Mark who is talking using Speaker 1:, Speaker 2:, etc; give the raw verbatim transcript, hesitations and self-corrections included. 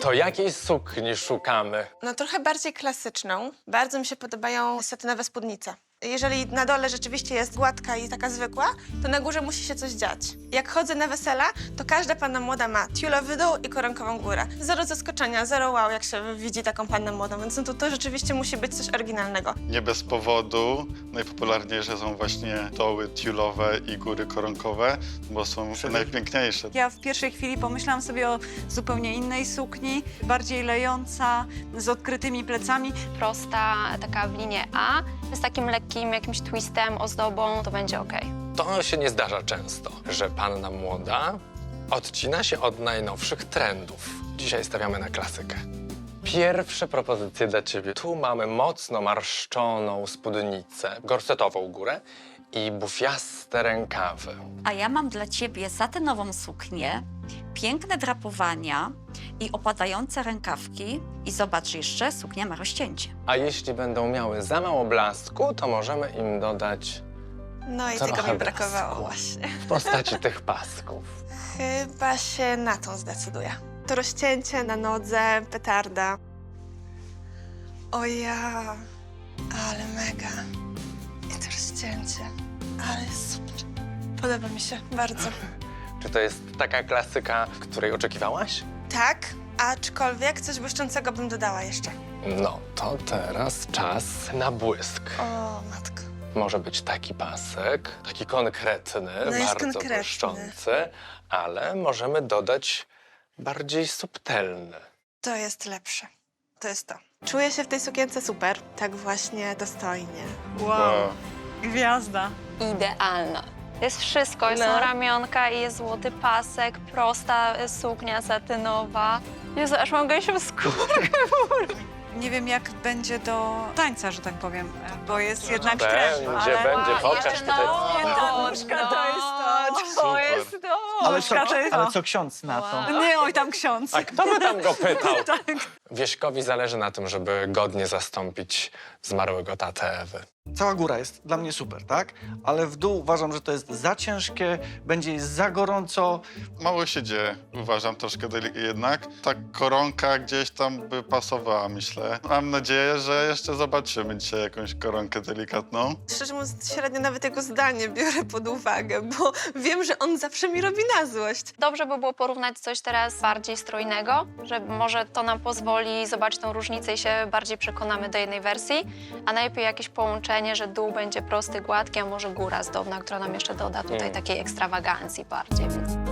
Speaker 1: To jakiej sukni szukamy?
Speaker 2: No trochę bardziej klasyczną. Bardzo mi się podobają satynowe spódnice. Jeżeli na dole rzeczywiście jest gładka i taka zwykła, to na górze musi się coś dziać. Jak chodzę na wesela, to każda panna młoda ma tiulowy dół i koronkową górę. Zero zaskoczenia, zero wow, jak się widzi taką pannę młodą, więc no to, to rzeczywiście musi być coś oryginalnego.
Speaker 3: Nie bez powodu najpopularniejsze są właśnie doły tiulowe i góry koronkowe, bo są najpiękniejsze.
Speaker 4: Ja w pierwszej chwili pomyślałam sobie o zupełnie innej sukni, bardziej lejąca, z odkrytymi plecami.
Speaker 5: Prosta, taka w linie A, z takim lekkim jakimś twistem, ozdobą, to będzie ok.
Speaker 1: To się nie zdarza często, że panna młoda odcina się od najnowszych trendów. Dzisiaj stawiamy na klasykę. Pierwsze propozycje dla ciebie. Tu mamy mocno marszczoną spódnicę, gorsetową górę i bufiaste rękawy.
Speaker 6: A ja mam dla ciebie satynową suknię, piękne drapowania i opadające rękawki. I zobacz jeszcze, suknia ma rozcięcie.
Speaker 1: A jeśli będą miały za mało blasku, to możemy im dodać
Speaker 2: No i
Speaker 1: trochę
Speaker 2: tego mi brakowało
Speaker 1: blasku
Speaker 2: właśnie.
Speaker 1: w postaci tych pasków.
Speaker 2: Chyba się na tą zdecyduję. To rozcięcie na nodze, petarda. O ja, ale mega. I to rozcięcie, ale super. Podoba mi się bardzo.
Speaker 1: Czy to jest taka klasyka, której oczekiwałaś?
Speaker 2: Tak, aczkolwiek coś błyszczącego bym dodała jeszcze.
Speaker 1: No, to teraz czas na błysk.
Speaker 2: O, matko.
Speaker 1: Może być taki pasek, taki konkretny,
Speaker 2: No jest
Speaker 1: bardzo
Speaker 2: konkretny.
Speaker 1: błyszczący, ale możemy dodać bardziej subtelny.
Speaker 2: To jest lepsze. To jest to. Czuję się w tej sukience super. Tak właśnie dostojnie.
Speaker 4: Wow, gwiazda.
Speaker 5: Idealna. Jest wszystko,
Speaker 2: No.
Speaker 5: są ramionka i jest złoty pasek, prosta suknia satynowa. Jezu, aż mam gęsią skórę.
Speaker 4: Nie wiem, jak będzie do tańca, że tak powiem, bo jest jednak
Speaker 1: Będzie,
Speaker 4: trend.
Speaker 1: będzie, pokaż
Speaker 5: jeszcze
Speaker 1: tutaj.
Speaker 5: no,
Speaker 4: Nie, ta nóżka to jest to.
Speaker 5: To
Speaker 3: Super.
Speaker 5: jest to.
Speaker 7: Ale co,
Speaker 4: Nóżka to jest
Speaker 7: ale
Speaker 4: to.
Speaker 7: co ksiądz na to?
Speaker 4: Nie, oj, tam ksiądz.
Speaker 1: A kto by tam go pytał?
Speaker 4: Tak.
Speaker 1: Wieśkowi zależy na tym, żeby godnie zastąpić zmarłego tatę Ewy.
Speaker 7: Cała góra jest dla mnie super, tak? Ale w dół uważam, że to jest za ciężkie, będzie jest za gorąco.
Speaker 3: Mało się dzieje, uważam troszkę delik- jednak. Ta koronka gdzieś tam by pasowała, myślę. Mam nadzieję, że jeszcze zobaczymy dzisiaj jakąś koronkę delikatną.
Speaker 2: Szczerze mówiąc, średnio nawet jego zdanie biorę pod uwagę, bo wiem, że on zawsze mi robi na złość.
Speaker 5: Dobrze by było porównać coś teraz bardziej strojnego, że może to nam pozwoli zobaczyć tą różnicę i się bardziej przekonamy do jednej wersji, a najlepiej jakieś połączenie, że dół będzie prosty, gładki, a może góra zdobna, która nam jeszcze doda tutaj
Speaker 1: Mm.
Speaker 5: takiej ekstrawagancji bardziej. Więc